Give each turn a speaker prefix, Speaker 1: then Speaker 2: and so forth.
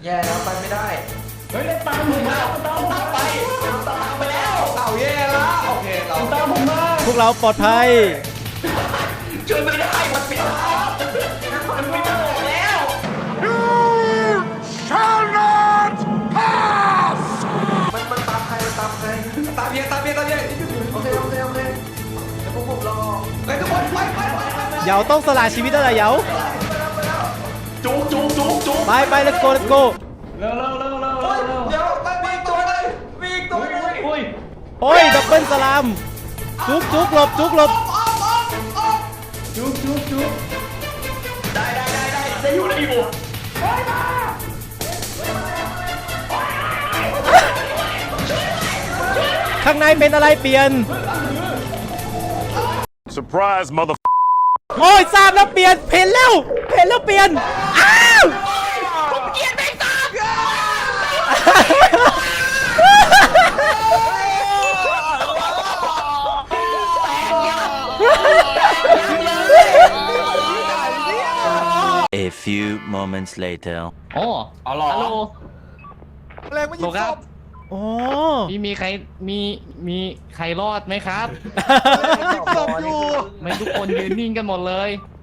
Speaker 1: แย่แล้วไปไม่ได้
Speaker 2: เฮ้ยตามผมมาตามผมมาไปตามไปแล้ว
Speaker 1: เอาแย่แล้วโอเคเรา
Speaker 2: ตามผมมา
Speaker 3: พวกเราปลอดภัย
Speaker 2: ช่วยไม่ได้มันปิดทางมันไม่ได้แล้ว
Speaker 1: มันตามใครมันตามใครตามเย่โอเคแล้วพวกผมรอเฮ้ยทุกคนไป
Speaker 3: เหยาต้องสละชีวิตแล้วเหรอเหยา
Speaker 2: จุก
Speaker 3: ไป let's go
Speaker 2: เร็ว
Speaker 1: เดี๋ยวมันมีอีกตัวนึงมีอีกตัวนึง
Speaker 2: อุ้ย
Speaker 3: โอ้ยดับเบิลสลามจุกหลบ
Speaker 2: จุกได้อยู่
Speaker 3: ข้างในเป็นอะไรเปลี่ยน
Speaker 4: Surprise, mother.
Speaker 3: โอ้ยทราบแล้วเปลี่ยนเห็นแล้วเปลี่ยนอ้าว
Speaker 2: ผมเกลียดไม่ตาม
Speaker 5: A few moments later.
Speaker 6: โอ้
Speaker 2: เอาหรอ
Speaker 6: ฮัลโหล
Speaker 1: แรงมัน
Speaker 6: โล
Speaker 1: ยิง
Speaker 6: ครับ
Speaker 3: โอ้
Speaker 6: มีใครมีใครรอดไหมครับ
Speaker 1: ศพอยู่
Speaker 6: ไม่ทุกคนยืนนิ่งกันหมดเลย